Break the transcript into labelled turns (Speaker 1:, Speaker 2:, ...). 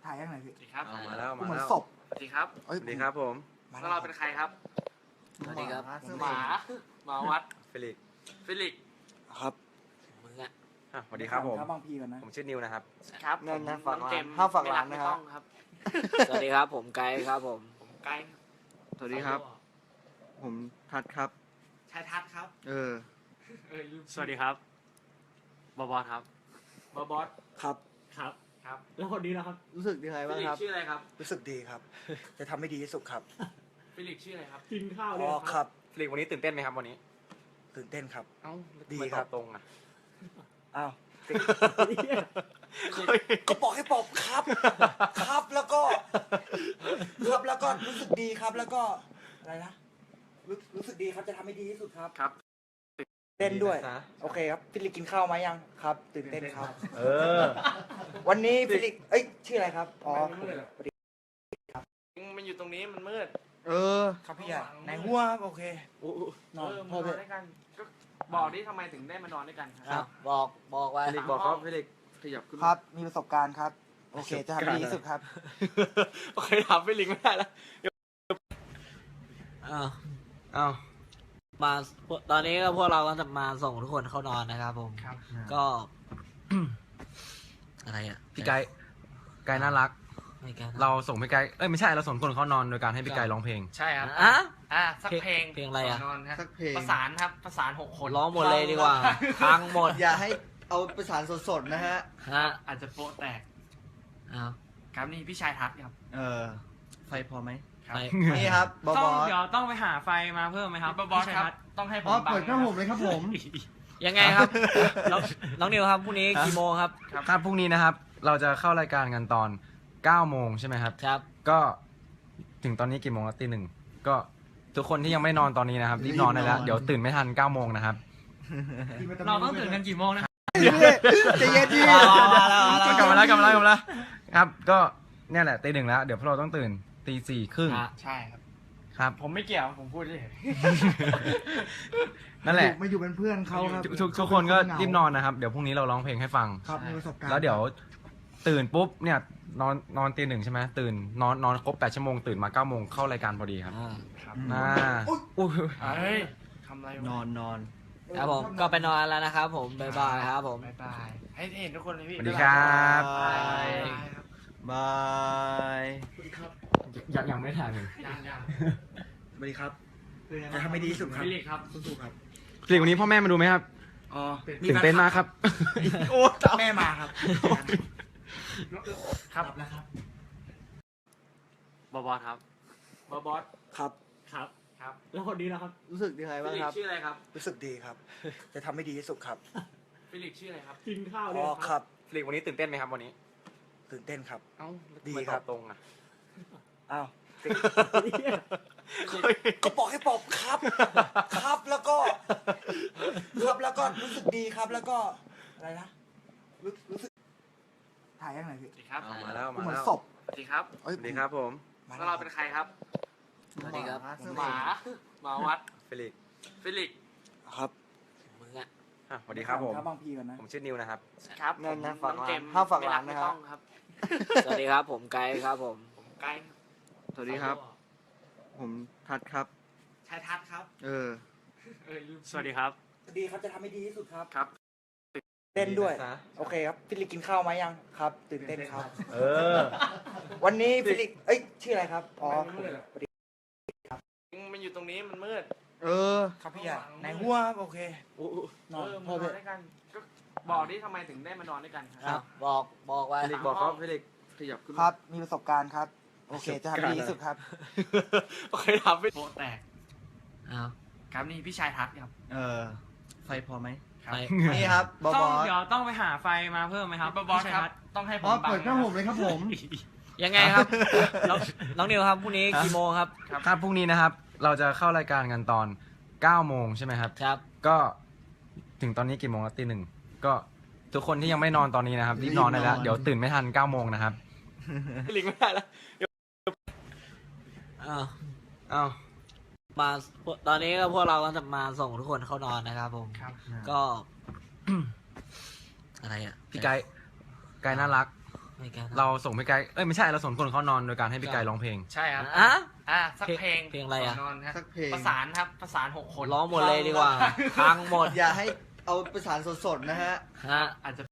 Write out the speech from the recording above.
Speaker 1: ถ่ายยังไงพี่
Speaker 2: สวัสดีครับ
Speaker 3: เอามาแล้ว
Speaker 1: เหมือนศพ
Speaker 2: สวัสดีครับ
Speaker 1: เอ้ย
Speaker 3: สวัสดีครับผม
Speaker 2: แล้วเราเป็นใครครับ
Speaker 4: สวัสดีครับ
Speaker 2: หมาหมาวัด
Speaker 3: เฟลิกซ์
Speaker 2: ฟิลิก
Speaker 1: ครับ
Speaker 4: มึงอะ
Speaker 3: สวัสดีครับผม
Speaker 1: บางพีกันนะ
Speaker 3: ผมชื่อนิวนะครับ
Speaker 2: ครับ
Speaker 1: นั่นนะ
Speaker 2: ผม
Speaker 1: ฝากร้าน
Speaker 2: องเจมส์
Speaker 1: ห้ามฝากร้าน
Speaker 2: ไม่ก
Speaker 1: นะครับ
Speaker 2: ไม่ต้องครับ
Speaker 4: สวัสดีครับผมไกด์ครับผม
Speaker 2: ผมไกด์
Speaker 5: สวัสดีครับ ผมทัดครับ
Speaker 2: ชายทัศน์ครับ
Speaker 5: ลืม
Speaker 2: สวัสดีครับบอบอสครับบอบอส
Speaker 1: ครับ
Speaker 2: ครับครับ
Speaker 5: แล้วคนนี้นะครับ รู้สึกยังไง
Speaker 2: ฟิ
Speaker 5: บ้าง
Speaker 2: ลิก
Speaker 5: ครับ
Speaker 2: ชื่ออะไรครับ
Speaker 1: รู้สึกดีครับ จะทำให้ดีที่สุดครับ
Speaker 2: ฟิลิกชื่ออะไรครับ
Speaker 5: กินข้าว
Speaker 1: อ๋
Speaker 5: เนี่
Speaker 1: อย ครับ
Speaker 3: เฟลิกซ์วันนี้ตื่นเต้นไหมครับวันนี้
Speaker 1: ตื่นเต้นครับ
Speaker 3: เอ้า
Speaker 1: ดี
Speaker 3: ทำไม
Speaker 1: ครับ
Speaker 3: ตอตรงอ่ะ
Speaker 1: อ้าวก็บอกให้บอกครับ ครับแล้วก็รู้สึกดีครับแล้วก็อะไรนะรู้สึกดีครับจะทำให้ดีที่สุดครับ
Speaker 2: ครับ
Speaker 1: เต้นด้วย
Speaker 3: ดีนะ
Speaker 1: โอเคครับฟิลิปกินข้าวไหมยังครับ ตื่นเต้นครับ
Speaker 3: เออ
Speaker 1: วันนี้ฟิลิปชื่ออะไรครับอ๋อ
Speaker 2: มันอยู่ตรงนี้มันมืด
Speaker 1: ครับพี่ใหญ่ไหนหัวครับโอเคน
Speaker 2: เอ
Speaker 1: อน
Speaker 2: อ
Speaker 1: พ
Speaker 2: มา
Speaker 1: อน เถ
Speaker 2: อน
Speaker 1: อะ
Speaker 2: ด้วยกันก็บอกดิทำไมถึงได้มานอนด้วยกันค
Speaker 4: ค
Speaker 2: รั
Speaker 4: รับ บบอกไว้
Speaker 3: เฟลิกซ์บอกครับเฟลิกซ์
Speaker 2: ขยับขึ้น
Speaker 1: ครับ มีประสบการณ์ครับ โอเค จะทำให้ดีที่สุดครับ
Speaker 2: โอเคถามฟิลิกไม่ได้แล้ว
Speaker 4: อ้าว
Speaker 3: เอ้า
Speaker 4: มาตอนนี้ก็พวกเราก็จะมาส่งทุกคนเข้านอนนะครับผม
Speaker 2: ครับ
Speaker 4: ก็ อะไรอ่ะ
Speaker 3: พี่ไกด์น่ารัก
Speaker 4: ไม่แก้
Speaker 3: เราส่งพี่ไกด์ไม่ใช่เราส่งคนเข้านอนโดยการให้พี่ไกด์ร้องเพลง
Speaker 2: ใช่ครับ
Speaker 4: อ่ะ
Speaker 2: สักเพลง
Speaker 4: เพลงอะไรอะ
Speaker 2: ก่นนอนครับ
Speaker 5: สักเพลง
Speaker 2: ประสานครับประสาน6 คน
Speaker 4: ร้องหมดเลยดีกว่าพังหมด
Speaker 5: อย่าให้เอาประสานสดๆนะฮะ
Speaker 4: ฮะ
Speaker 2: อาจจะโป๊ะแตก
Speaker 4: อ้าว
Speaker 2: ครับนี่พี่ชายทัศน์ครับ
Speaker 5: ไฟพอไหม
Speaker 2: ครับ
Speaker 4: ไป
Speaker 5: นี่ครับบอ
Speaker 6: ต้อง
Speaker 5: ส
Speaker 6: เดี๋ยวต้องไปหาไฟมาเพิ่มไหมครับ
Speaker 2: บอสครับต้องให้ผมบัง
Speaker 5: เปิดหน้าผมเลยครับผม
Speaker 4: ยังไงครับ น้องนิวครับพรุ่งนี้กี่โมงครับ
Speaker 3: ครับพรุ่งนี้นะครับ เราจะเข้ารายการกันตอน9 โมงใช่ไหมครับ
Speaker 4: ครับ
Speaker 3: ก็ถึงตอนนี้กี่โมงแล้วตี 1ก็ทุกคนที่ยังไม่นอนตอนนี้นะครับรีบนอนได้แล้ว เดี๋ยวตื่นไม่ทัน9 โมงนะครับ
Speaker 6: เราต้องตื่นกันกี่โมงนะครับ
Speaker 5: ใจเย็นดิ
Speaker 3: กลับมาแล้วครับ ก็เนี่ยแหละตี 1แล้ว เดี๋ยวพวกเราต้องตื่นตี 4:30
Speaker 4: ฮะ
Speaker 2: ใช่ครับ
Speaker 3: ครับ
Speaker 2: ผมไม่เกี่ยวผมพูดเฉย
Speaker 3: นั่นแหละ
Speaker 5: มาอยู่เป็นเพื่อนเขาครับ
Speaker 3: ทุกคนก็รีบนอนนะครับ เดี๋ยวพรุ่งนี้เราร้องเพลงให้ฟัง
Speaker 5: ครับมีประสบการณ์
Speaker 3: แล้วเดี๋ยวตื่นปุ๊บเนี่ยนอนตี 1ใช่ไหมตื่นนอนครบ8 ชั่วโมงตื่นมา9 โมงเข้ารายการพอดีครับ
Speaker 2: ครับ
Speaker 3: อุ้ย
Speaker 2: เฮ้ยทำอะไรวะ
Speaker 5: นอน
Speaker 4: ครับผมก็ไปนอนแล้วนะครับผมบ๊ายบายครับผม
Speaker 2: บ๊ายบายให้เห็นทุกคนเลยพี่
Speaker 3: สวัสดีครับ
Speaker 2: บ๊ายบายครับ
Speaker 5: บาย
Speaker 3: ยังไม่ถ่ายเลย
Speaker 2: ยัง
Speaker 1: สวัสดีครับ จะทำให้ดีที่สุดครับ
Speaker 2: ฟิลิกครับ
Speaker 1: สู้ๆครับ
Speaker 3: เพลงวันนี้พ่อแม่มาดูไหมครับ
Speaker 1: อ๋อ
Speaker 3: ตื่นเต้นมากครับ
Speaker 1: โอ้แม่มาครับ
Speaker 2: ครับแล้วครับบอบอสครับบอบอส
Speaker 1: ครับ
Speaker 2: ครับครับ
Speaker 5: แล้วคนนี้นะครับ รู้สึกยังไง
Speaker 2: ฟิ
Speaker 5: บ้าง
Speaker 2: ลิก
Speaker 5: ครับ
Speaker 2: ชื่ออะไรครับ
Speaker 1: รู้สึกดีครับ จะทำให้ดีที่สุดครับ
Speaker 2: ฟิลิกชื่ออะไรครับ
Speaker 5: กินข้าว
Speaker 1: อ๋
Speaker 5: เนี่
Speaker 1: อย ครับ
Speaker 3: เพลงวันนี้ตื่นเต้นไหมครับวันนี้
Speaker 1: ตื่นเต้นครับ
Speaker 3: เอ้า
Speaker 1: ดี
Speaker 3: ทำไม
Speaker 1: ครับ
Speaker 3: ตอตรงอ่ะ
Speaker 1: อ้าวก็บอกให้บอกครับ ครับแล้วก็รู้สึกดีครับแล้วก็อะไรนะรู้สึกถ่ายยังไงพี่
Speaker 2: สวัสดีครับ
Speaker 3: เอามาแล้ว
Speaker 1: เหมือนศพ
Speaker 2: สวัสดีครับ
Speaker 3: สวัสดีครับผม
Speaker 2: แล้วเราเป็นใครครับ
Speaker 4: สวัสดีครับ
Speaker 2: หมาวัด
Speaker 3: เฟลิกซ์
Speaker 2: ฟิลิก
Speaker 1: ครับ
Speaker 4: มึงอะ
Speaker 3: สวัสดีครับผม
Speaker 1: บางพีกันนะ
Speaker 3: ผมชื่อนิวนะครับ
Speaker 2: ครับ
Speaker 1: นั่นนะ
Speaker 2: ผม
Speaker 1: ฝาก
Speaker 2: น้อง
Speaker 1: ร้าน
Speaker 2: เจมส์
Speaker 1: ห้ามฝากร้าน
Speaker 2: ไม่
Speaker 1: นะครับ
Speaker 2: ต้องครับ
Speaker 4: สวัสดีครับผมไกด์ครับผม
Speaker 2: ผมไกด์
Speaker 5: สวัสดีครับ ผมทัดครับ
Speaker 2: ชายทัศน์ครับ
Speaker 6: สวัสดีครับ
Speaker 1: ดีครับจะทำให้ดีที่สุดครับ
Speaker 2: ครับ
Speaker 1: เต้นด้วย
Speaker 3: ดีนะ
Speaker 1: โอเคครับฟิลิปกินข้าวไหมยังครับ ตื่นเต้นครับ
Speaker 3: เออ
Speaker 1: วันนี้ฟิลิปชื่ออะไรครับอ๋อ
Speaker 2: มันอยู่ตรงนี้มันมืด
Speaker 1: ครับพี่ใหญ่ไหนหัวครับโอเคน
Speaker 2: เอ
Speaker 1: อน
Speaker 2: อ
Speaker 1: พ
Speaker 2: มา
Speaker 1: อน เถ
Speaker 2: อน
Speaker 1: อะ
Speaker 2: ด้วยกันก็บอกดิทำไมถึงได้มานอนด้วยกัน
Speaker 4: ครับบอกไว้
Speaker 3: เฟลิกซ์บอกครับเฟลิกซ์
Speaker 2: ขยับขึ้น
Speaker 1: ครับ มีประสบการณ์ครับ โอเค จะทำให้ดีที่สุดครับ
Speaker 2: โอเคถามไปโป๊ะแตก
Speaker 4: อ้าว
Speaker 2: ครับนี่พี่ชายทัศน์ครับ
Speaker 5: ไฟพอไหม
Speaker 2: ครับ
Speaker 4: ไป
Speaker 5: นี่ครับบอ
Speaker 6: ต้อง
Speaker 5: ส
Speaker 6: เดี๋ยวต้องไปหาไฟมาเพิ่มไหมครับ
Speaker 2: บอสครับ
Speaker 6: พี่ชัยทัศน์
Speaker 2: ต้องให้ผม
Speaker 5: เปิดหน้าผมเลยครับผม
Speaker 4: ยังไงครับ น้องนิวครับพรุ่งนี้กี่โมงครับ
Speaker 3: ครับพรุ่งนี้นะครับ เราจะเข้ารายการกันตอน9 โมงใช่ไหมครับ
Speaker 4: ครับ
Speaker 3: ก็ถึงตอนนี้กี่โมงแล้วตี 1ก็ทุกคนที่ยังไม่นอนตอนนี้นะครับรีบนอนได้แล้ว เดี๋ยวตื่นไม่ทัน9 โมงนะครับ
Speaker 2: ลิงไม่ได้แล้ว
Speaker 4: อ้าว
Speaker 3: เอ้า
Speaker 4: มาตอนนี้ก็พวกเราก็จะมาส่งทุกคนเข้านอนนะครับผม
Speaker 2: ครับ
Speaker 4: ก็ อะไรอ่ะ
Speaker 3: พี่ไกด์น่ารัก
Speaker 4: ไม่กัน
Speaker 3: เราส่งพี่ไกด์ไม่ใช่เราส่งคนเขานอนโดยการให้พี่ไกด์ร้องเพลง
Speaker 6: ใช่ครับ
Speaker 4: อ่ะ
Speaker 6: สักเพลง
Speaker 4: เพลงอะไรอะ
Speaker 6: ก่นนอนครับ
Speaker 5: สักเพลง
Speaker 6: ประสานครับประสาน6 คน
Speaker 4: ร้องหมดเลยดีกว่าพังหมด
Speaker 5: อย่าให้เอาประสานสดๆนะฮะ
Speaker 4: ฮะ
Speaker 6: อาจจะ